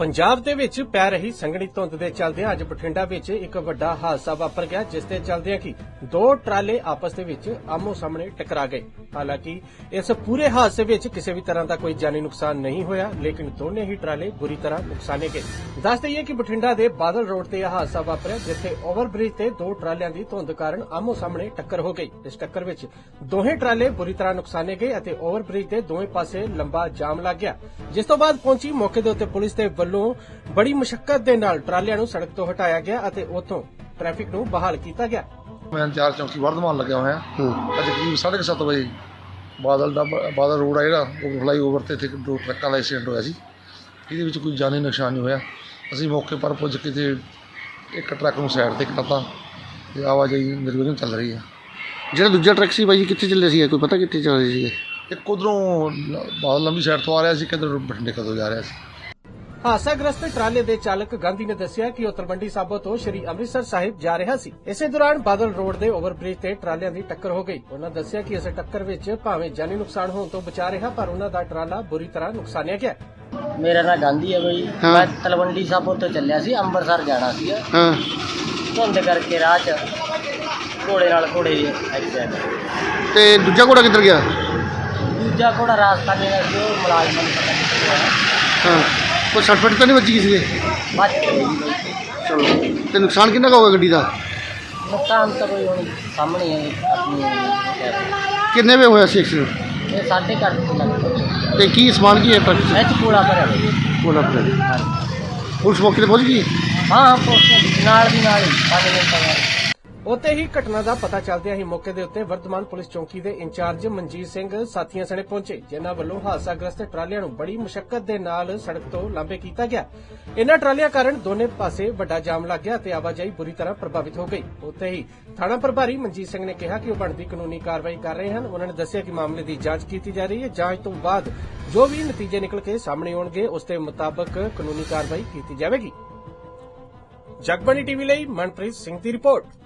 ਪੰਜਾਬ ਦੇ ਵਿੱਚ ਪੈ ਰਹੀ ਸੰਘਣੀ ਧੁੰਦ ਦੇ ਚੱਲਦਿਆਂ ਅੱਜ ਬਠਿੰਡਾ ਵਿੱਚ ਇੱਕ ਵੱਡਾ ਹਾਦਸਾ ਵਾਪਰ ਗਿਆ, ਜਿਸ ਦੇ ਚੱਲਦਿਆਂ ਕਿ ਦੋ ਟਰਾਲੇ ਆਪਸ ਦੇ ਵਿੱਚ ਆਮੋ ਸਾਹਮਣੇ ਟਕਰਾ ਗਏ। ਹਾਲਾਂਕਿ ਇਸ ਪੂਰੇ ਹਾਦਸੇ ਵਿੱਚ ਕਿਸੇ ਵੀ ਤਰ੍ਹਾਂ ਦਾ ਕੋਈ ਜਾਨੀ ਨੁਕਸਾਨ ਨਹੀਂ ਹੋਇਆ, ਲੇਕਿਨ ਦੋਨੇ ਹੀ ਟਰਾਲੇ ਬੁਰੀ ਤਰ੍ਹਾਂ ਨੁਕਸਾਨੇ ਗਏ। ਦੱਸ ਦਈਏ ਕਿ ਬਠਿੰਡਾ ਦੇ ਬਾਦਲ ਰੋਡ ਤੇ ਇਹ ਹਾਦਸਾ ਵਾਪਰਿਆ, ਜਿੱਥੇ ਓਵਰਬ੍ਰਿਜ ਤੇ ਦੋ ਟਰਾਲਿਆਂ ਦੀ ਧੁੰਦ ਕਾਰਨ ਆਮੋ ਸਾਹਮਣੇ ਟੱਕਰ ਹੋ ਗਈ। ਇਸ ਟੱਕਰ ਵਿੱਚ ਦੋਹੇ ਟਰਾਲੇ ਬੁਰੀ ਤਰ੍ਹਾਂ ਨੁਕਸਾਨੇ ਗਏ ਅਤੇ ਓਵਰਬ੍ਰਿਜ ਦੇ ਦੋਵੇਂ ਪਾਸੇ ਲੰਬਾ ਜਾਮ ਲੱਗ ਗਿਆ, ਜਿਸ ਤੋਂ ਬਾਅਦ ਪਹੁੰਚੀ ਮੌਕੇ ਦੇ ਉੱਤੇ ਪੁਲਿਸ ਦੇ ਵੱਲੋਂ ਬੜੀ ਮੁਸ਼ੱਕਤ ਦੇ ਨਾਲ ਟਰਾਲਿਆਂ ਨੂੰ ਸੜਕ ਤੋਂ ਹਟਾਇਆ ਗਿਆ ਅਤੇ ਉੱਥੋਂ ਟ੍ਰੈਫਿਕ ਨੂੰ ਬਹਾਲ ਕੀਤਾ ਗਿਆ। ਮੈਂ ਇੰਚਾਰਜ ਚੌਂਕੀ ਵਰਧਮਾਨ ਲੱਗਿਆ ਹੋਇਆ। ਅੱਜ ਕਰੀਬ 7:30 ਵਜੇ ਬਾਦਲ ਰੋਡ ਆ ਜਿਹੜਾ ਉਹ ਫਲਾਈਓਵਰ ਤੇ ਇੱਥੇ ਦੋ ਟਰੱਕਾਂ ਦਾ ਐਕਸੀਡੈਂਟ ਹੋਇਆ ਸੀ। ਇਹਦੇ ਵਿੱਚ ਕੋਈ ਜਾਨੀ ਨੁਕਸਾਨ ਨਹੀਂ ਹੋਇਆ। ਅਸੀਂ ਮੌਕੇ ਪਰ ਪੁੱਜ ਕੇ ਤੇ ਇੱਕ ਟਰੱਕ ਨੂੰ ਸਾਈਡ ਤੇ ਕਰਤਾ ਤੇ ਆਵਾਜਾਈ ਨਿਰਵਿਘਨ ਚੱਲ ਰਹੀ ਹੈ। ਜਿਹੜਾ ਦੂਜਾ ਟਰੱਕ ਸੀ ਬਾਈ ਜੀ ਕਿੱਥੇ ਚੱਲੇ ਸੀ, ਕੋਈ ਪਤਾ ਕਿੱਥੇ ਚੱਲ ਰਹੇ ਸੀਗੇ? ਇੱਕ ਉੱਧਰੋਂ ਬਾਦਲ ਲੰਬੀ ਸਾਈਡ ਤੋਂ ਆ ਰਿਹਾ ਸੀ, ਕਿੱਧਰ ਬਠਿੰਡੇ ਕਦੋਂ ਜਾ ਰਿਹਾ ਸੀ। ਹਾਦਸਾਗ੍ਰਸਤ ਟਰਾਲੇ ਦੇ ਚਾਲਕ ਗਾਂਧੀ ਨੇ ਦੱਸਿਆ ਕਿ ਉਹ ਤਲਵੰਡੀ ਸਾਬੋ ਤੋਂ ਸ਼੍ਰੀ ਅੰਮ੍ਰਿਤਸਰ ਸਾਹਿਬ ਜਾ ਰਿਹਾ ਸੀ। ਇਸੇ ਦੌਰਾਨ ਬਾਦਲ ਰੋਡ ਦੇ ਓਵਰਬ੍ਰਿਜ ਤੇ ਟਰਾਲਿਆਂ ਦੀ ਟੱਕਰ ਹੋ ਗਈ। ਉਹਨਾਂ ਦੱਸਿਆ ਕਿ ਇਸ ਟੱਕਰ ਵਿੱਚ ਭਾਵੇਂ ਜਾਨੀ ਨੁਕਸਾਨ ਹੋਣ ਤੋਂ ਬਚਾ ਰਿਹਾ, ਪਰ ਉਹਨਾਂ ਦਾ ਟਰਾਲਾ ਬੁਰੀ ਤਰ੍ਹਾਂ ਨੁਕਸਾਨਿਆ ਗਿਆ। ਮੇਰਾ ਨਾਂ ਗਾਂਧੀ ਹੈ ਬਈ। ਮੈਂ ਤਲਵੰਡੀ ਸਾਬੋ ਤੋਂ ਚੱਲਿਆ ਸੀ, ਅੰਮ੍ਰਿਤਸਰ ਜਾਣਾ ਸੀਗਾ। ਹਾਂ, ਧੁੰਦ ਕਰਕੇ ਰਾਹ 'ਚ ਘੋੜੇ ਨਾਲ ਘੋੜੇ ਦੀ ਐਕਸੀਡੈਂਟ। ਤੇ ਦੂਜਾ ਘੋੜਾ ਕਿੱਧਰ ਗਿਆ? ਦੂਜਾ ਘੋੜਾ ਰਾਸਤਾ ਮੇਰਾ ਸੀ, ਉਹ ਮੁਲਾਜ਼ਮਾਂ ਨੂੰ ਪਤਾ ਨਹੀਂ ਹੋਇਆ। ਹਾਂ, ਕੋਈ ਸੱਟ ਫੇਟ ਤਾਂ ਨਹੀਂ ਵੱਜੀ ਕਿਸੇ ਦੇ? ਬਚ ਗਈ ਬਈ। ਚਲੋ, ਤੇ ਨੁਕਸਾਨ ਕਿੰਨਾ ਕੁ ਹੋਗਾ ਗੱਡੀ ਦਾ? ਨੁਕਸਾਨ ਤਾਂ ਕੋਈ ਹੁਣ ਸਾਹਮਣੇ ਹੈ ਆਪਣੀ। ਕਿੰਨੇ ਵੇ ਹੋਇਆ ਸੀ ਐਕਸੀਡੈਂਟ? ਇਹ 8:30 ਲੱਗ ਤੇ ਕੀ ਸਮਾਨ ਕੀ ਹੈ ਟਰੱਕ 'ਚ? ਇਹ 'ਚ ਕੂੜਾ ਭਰਿਆ ਬਈ। ਕੋਲਾ ਪਰ ਹਾਂਜੀ। ਪੁਲਿਸ ਮੌਕੇ ਤੇ ਪਹੁੰਚ ਗਈ? ਹਾਂ ਪੁਲਿਸ ਨਾਲ ਦੀ ਨਾਲ ਹੀ 5 ਮਿੰਟ ਬਾਅਦ। ਉੱਥੇ ਹੀ ਘਟਨਾ ਦਾ ਪਤਾ ਚੱਲਦਿਆਂ ਹੀ ਮੌਕੇ ਦੇ ਉੱਤੇ ਵਰਧਮਾਨ ਪੁਲਿਸ ਚੌਂਕੀ ਦੇ ਇੰਚਾਰਜ ਮਨਜੀਤ ਸਿੰਘ ਸਾਥੀਆਂ ਸਣੇ ਪਹੁੰਚੇ, ਜਿਨ੍ਹਾਂ ਵੱਲੋਂ ਹਾਦਸਾਗ੍ਰਸਤ ਟਰਾਲਿਆਂ ਨੂੰ ਬੜੀ ਮੁਸ਼ੱਕਤ ਦੇ ਨਾਲ ਸੜਕ ਤੋਂ ਲਾਂਭੇ ਕੀਤਾ ਗਿਆ। ਇਨ੍ਹਾਂ ਟਰਾਲਿਆਂ ਕਾਰਨ ਦੋਨੇ ਪਾਸੇ ਵੱਡਾ ਜਾਮ ਲੱਗ ਗਿਆ ਤੇ ਆਵਾਜਾਈ ਬੁਰੀ ਤਰ੍ਹਾਂ ਪ੍ਰਭਾਵਿਤ ਹੋ ਗਈ। ਉੱਥੇ ਹੀ ਥਾਣਾ ਪ੍ਰਭਾਰੀ ਮਨਜੀਤ ਸਿੰਘ ਨੇ ਕਿਹਾ ਕਿ ਉਹ ਬਣਦੀ ਕਾਨੂੰਨੀ ਕਾਰਵਾਈ ਕਰ ਰਹੇ ਹਨ। ਉਹਨਾਂ ਨੇ ਦੱਸਿਆ ਕਿ ਮਾਮਲੇ ਦੀ ਜਾਂਚ ਕੀਤੀ ਜਾ ਰਹੀ ਹੈ। ਜਾਂਚ ਤੋਂ ਬਾਅਦ ਜੋ ਵੀ ਨਤੀਜੇ ਨਿਕਲ ਕੇ ਸਾਹਮਣੇ ਆਉਣਗੇ, ਉਸ ਦੇ ਮੁਤਾਬਕ ਕਾਨੂੰਨੀ ਕਾਰਵਾਈ ਕੀਤੀ ਜਾਵੇਗੀ। ਜਗਬਾਣੀ ਟੀਵੀ ਲਈ ਮਨਪ੍ਰੀਤ ਸਿੰਘ ਦੀ ਰਿਪੋਰਟ।